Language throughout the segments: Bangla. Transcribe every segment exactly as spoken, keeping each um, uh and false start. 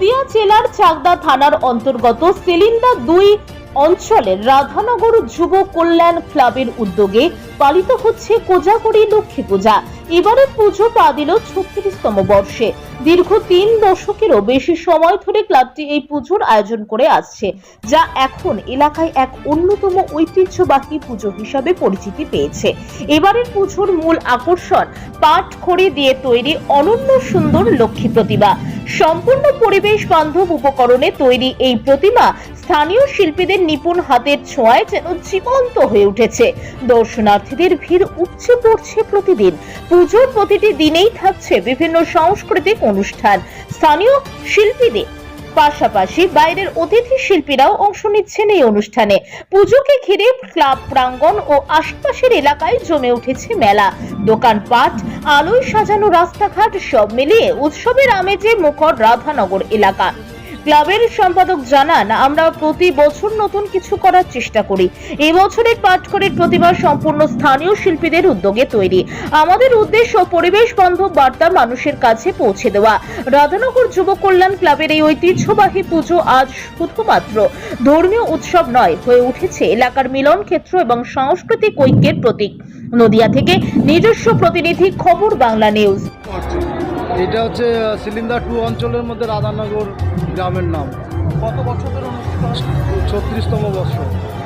নদিয়া জেলার চাকদা থানার অন্তর্গত সিলিন্দা দুই অঞ্চলের রাধানগর যুব কল্যাণ ক্লাবের উদ্যোগে পালিত হচ্ছে কোজাগরী লক্ষ্মী পূজা। এবারের পুজো পা দিল ছত্রিশতম বর্ষে। দীর্ঘ তিন দশকেরও বেশি সময় ধরে ক্লাবটি এই পুজোর আয়োজন করে আসছে, যা এখন এলাকায় এক অন্যতম ঐতিহ্যবাহী পুজো হিসাবে পরিচিতি পেয়েছে। এবারের পুজোর মূল আকর্ষণ পাট খড়ি দিয়ে তৈরি অনন্য সুন্দর লক্ষ্মী প্রতিমা। সম্পূর্ণ পরিবেশ বান্ধব উপকরণে তৈরি এই প্রতিমা স্থানীয় শিল্পীদের নিপুণ হাতের ছোঁয়ায় যেন জীবন্ত হয়ে উঠেছে। দর্শনার্থীদের ভিড় উপচে পড়ছে প্রতিদিন। পুজোর প্রতিটি দিনেই থাকছে বিভিন্ন সাংস্কৃতিক অনুষ্ঠান। স্থানীয় শিল্পীদের পাশাপাশি বাইরের অতিথি শিল্পীরাও অংশ নিচ্ছেন এই অনুষ্ঠানে। পুজোকে ঘিরে ক্লাব প্রাঙ্গণ ও আশপাশের এলাকায় জমে উঠেছে মেলা, দোকানপাট, আলোয় সাজানো রাস্তাঘাট, সব মিলিয়ে উৎসবের আমেজে মুখর রাধানগর এলাকা। ক্লাবের সম্পাদক জানান, আমরা প্রতি বছর নতুন কিছু করার চেষ্টা করি। এই বছরের পাটখড়ির প্রতিমা সম্পূর্ণ স্থানীয় শিল্পীদের উদ্যোগে তৈরি। আমাদের উদ্দেশ্য পরিবেশ বান্ধব বার্তা মানুষের কাছে পৌঁছে দেওয়া। রাধানগর যুব কল্যাণ ক্লাবের এই ঐতিহ্যবাহী পুজো আজ শুধুমাত্র ধর্মীয় উৎসব নয়, হয়ে উঠেছে এলাকার মিলন ক্ষেত্র এবং সাংস্কৃতিক ঐক্যের প্রতীক। নদিয়া থেকে নিজস্ব প্রতিনিধি, খবর বাংলা নিউজ। এটা হচ্ছে সিলিন্দা টু অঞ্চলের মধ্যে রাধানগর গ্রামের নাম। কত বছর ধরে অনুষ্ঠিত হয়? ছত্রিশতম বর্ষ।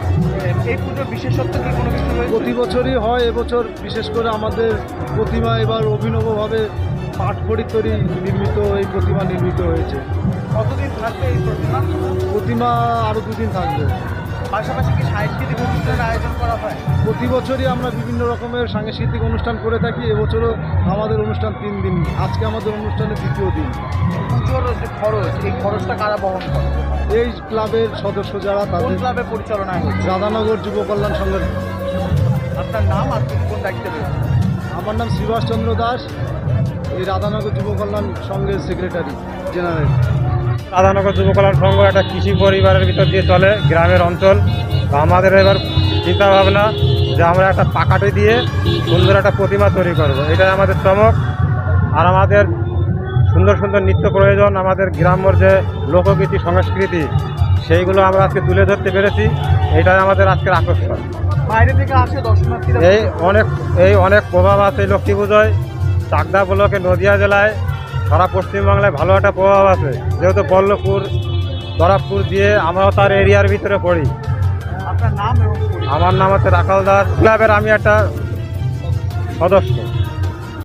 এই পুজোর বিশেষত্ব কি কোনো কিছু রয়েছে? প্রতি বছরই হয়, এবছর বিশেষ করে আমাদের প্রতিমা এবার অভিনবভাবে পাটখড়ি তৈরি নির্মিত এই প্রতিমা নির্মিত হয়েছে। কতদিন থাকবে এই প্রতিমা? প্রতিমা আরও দুদিন থাকবে। পাশাপাশি কি সাংস্কৃতিক অনুষ্ঠানের আয়োজন করা হয়? প্রতি বছরই আমরা বিভিন্ন রকমের সাংস্কৃতিক অনুষ্ঠান করে থাকি। এবছরও আমাদের অনুষ্ঠান তিন দিন। আজকে আমাদের অনুষ্ঠানের দ্বিতীয় দিন। পুজোর যে খরচ, এই খরচটা কারা বহন করে? এই ক্লাবের সদস্য যারা, কোন তাদের ক্লাবে পরিচালনায় হচ্ছে? রাধানগর যুব কল্যাণ সংঘের। আপনার নাম আর কোন কোন দায়িত্বে রয়েছে? আমার নাম শ্রীবাস চন্দ্র দাস, এই রাধানগর যুব কল্যাণ সংঘের সেক্রেটারি জেনারেল। রাধানগর যুব কল্যাণ সংঘ একটা কৃষি পরিবারের ভিতর দিয়ে চলে, গ্রামের অঞ্চল। আমাদের এবার চিন্তা ভাবনা যে আমরা একটা পাকাটি দিয়ে সুন্দর একটা প্রতিমা তৈরি করব, এটাই আমাদের চমক। আর আমাদের সুন্দর সুন্দর নিত্য প্রয়োজন, আমাদের গ্রাম্যর যে লোকগীতি সংস্কৃতি, সেইগুলো আমরা আজকে তুলে ধরতে পেরেছি। এটাই আমাদের আজকের আকর্ষণ। বাইরে থেকে আসে দর্শনার্থীরা? এই অনেক এই অনেক প্রভাব আছে লক্ষ্মী পুজোয়। চাকদা ব্লকে নদিয়া জেলায় সারা পশ্চিমবাংলায় ভালো একটা প্রভাব আছে, যেহেতু বল্লভপুর দরাবপুর দিয়ে আমরাও তার এরিয়ার ভিতরে পড়ি। আপনার নাম এবং পরিচয়? আমার নাম হচ্ছে রাখাল দাস, ক্লাবের আমি একটা সদস্য।